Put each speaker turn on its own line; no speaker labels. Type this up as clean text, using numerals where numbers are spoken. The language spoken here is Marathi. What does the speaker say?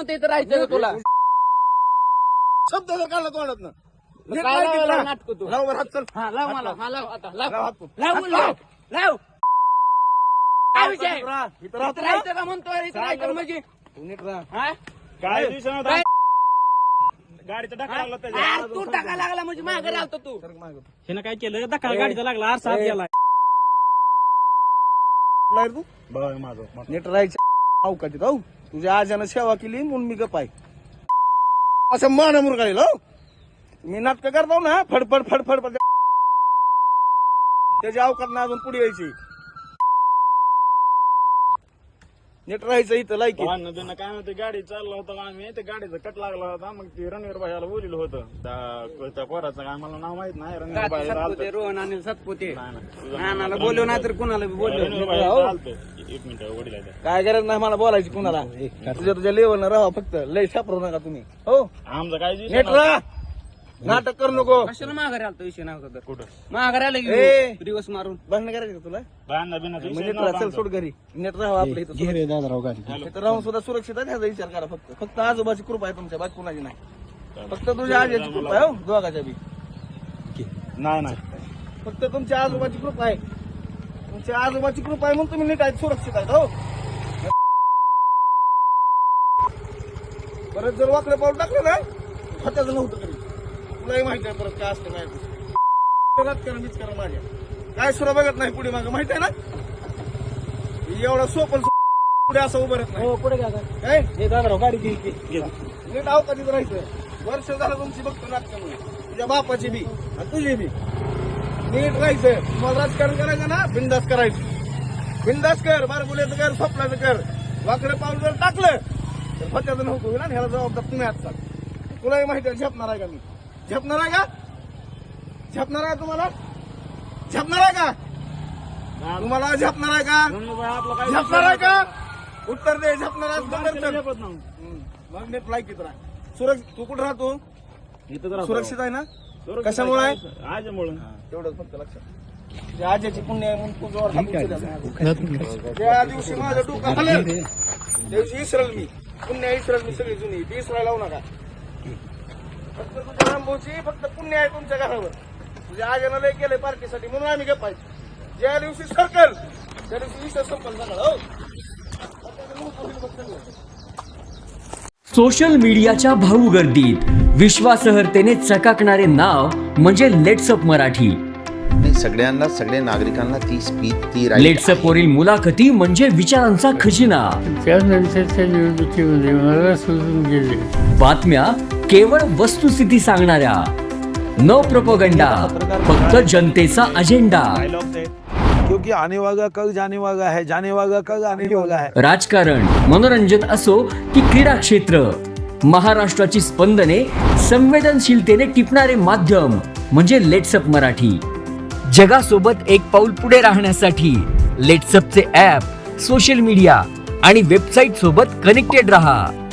म्हणते इथं राहायचं तुला
शब्द जर काढला तोंडात ना
नाटक तू
लाव बरं हात चल.
हा लाव मला हा लाव आता
लाव
लाव
हात तू.
लाव लाव लाव काय विषय
इथं राहा, इथं
इथं
राहा.
राहायचं का म्हणतोय इथं राहायचं म्हणजे
तू नीट राहा.
हा
काय दिवसानं
काय?
गाडीचा धक्का लागला त्याच्या
यार, तू टाका लागला म्हणजे मागे राहतो तू
सरक मागं.
हिनं काय केलं धक्का गाडीचा लागला आरसा आत गेला
कुठला आहे तू
बघ माझं
नीट राहायचं अवकाशात हो तुझ्या आजानं सेवा केली म्हणून मी गप आहे असं मान मुरगाळील हो मी नाटक करतो ना फडफड फडफड फड त्याची अवकाश ना अजून पुढे यायची नीट राहायचं इथं लायकी
नदीनं काय म्हणते गाडी चालला होता आम्ही ते गाडीचा कट लागला होता मग ते रणवीर भाईला बोलिलं होतं त्या पोराचं काय मला नाव माहित नाही रणवीर भाई
सतपुते रोहन आणि सतपुते
नाही.
नानाला बोललो नाही तर कुणाला बी बोललो
रणवीर भाई चालतं. एक मिनिट वडील आहे.
काय गरज नाही मला बोलायची कुणाला तुझ्या लेवल राहा फक्त लय सापरू नका तुम्ही हो
आमचं काय
नीट राहा नाटक करू नको
कशाला माघारी आलतो विषय नव्हता तर
कुठं
माघारी आलं
ए.
की दिवस मारून
भांडण करायचं का तुला
बांधा बिना
नीट राहा चल सोड घरी नीट राहा आपल्या इथं इथं राहून सुद्धा सुरक्षित आहे ह्याचा विचार करा फक्त आजोबाची कृपा आहे तुमच्या बाकी कुणाची नाही फक्त तुझ्या आजीची कृपा आहे हो दोघाच्या बी
नाही नाही
फक्त तुमच्या आजोबाची कृपा आहे तुमच्या आजोबाची कृपा आहे म्हणून तुम्ही नीट आहेत सुरक्षित आहेत हो परत जर वाकडं पाऊल टाकलं ना खताचं नव्हतं कधी तुलाही माहिती आहे परत काय असतं काय राजकारण बिचकारण माझ्या काय सुद्धा बघत नाही पुढे मागं माहिती आहे ना एवढा सोपन पुढे असं उभं राहत नाही
पुढे
काय
गाडी
नीट अवकाशात राहायचं वर्ष झालं तुमची बघतो नाटकामुळे तुझ्या बापाची बी आणि तुझी बी नीट राहायचं तुम्हाला राजकारण करायचं ना बिंदास करायचं बिंदास कर बारगुल्याचं कर स्वप्नाचं कर वाकडं पाऊल जर टाकलं तर फत्याचं नव्हतं होईल आणि ह्याला जबाबदार तुम्ही आजचा तुलाही माहिती आहे झेपणार आहे का मी झेपणार आहे का झेपणार आहे तुम्हाला झेपणार आहे का तुम्हाला झेपणार आहे का झेपणार आहे का उत्तर दे झेपणार आहे मग नीट लायकीत राहा सुरक्षित तू कुठं राहतो सुरक्षित आहे ना कशामुळे आहे
आजमुळं
तेवढंच फक्त लक्षात त्या आजीची पुण्य आहे म्हणून तुझ्यावर हात उचलला. त्या दिवशी माझं डोकं हलेल त्या दिवशी इसरल मी पुण्य इसरल मी सगळी जुनी ती इसरायला लावू नका फक्त तुझ्या रामभाऊची फक्त पुण्य आहे तुमच्या घरावर तुझ्या आजीनं लय केलंय पार्टीसाठी म्हणून आम्ही गप्प आहे ज्या दिवशी सर्कल त्या दिवशी इसर संपल सगळं हो
सोशल मीडियाच्या भाऊ गर्दीत विश्वासार्हतेने चकाकणारे नाव म्हणजे लेट्सअप मराठी.
सगळ्यांना सगळ्या नागरिकांना ती स्पीच ती
लेट्सअप वरील मुलाखती म्हणजे विचारांचा खजिना.
त्यानंतरच्या निवडणुकीमध्ये मला सोडून गेले.
बातम्या केवळ वस्तुस्थिती सांगणाऱ्या, न प्रोपगंडा, फक्त जनतेचा अजेंडा.
क्योंकि आने वाला कल जाने वाला है, जाने वाला कल आने वाला है.
राजकारण, मनोरंजन असो की क्रीडा क्षेत्र, महाराष्ट्राची स्पंदने संवेदनशीलतेने टिपणारे माध्यम म्हणजे लेट्सअप मराठी. जगासोबत एक पाऊल पुढे राहण्यासाठी लेट्सअपचे ॲप, सोशल मीडिया आणि वेबसाईट सोबत कनेक्टेड रहा.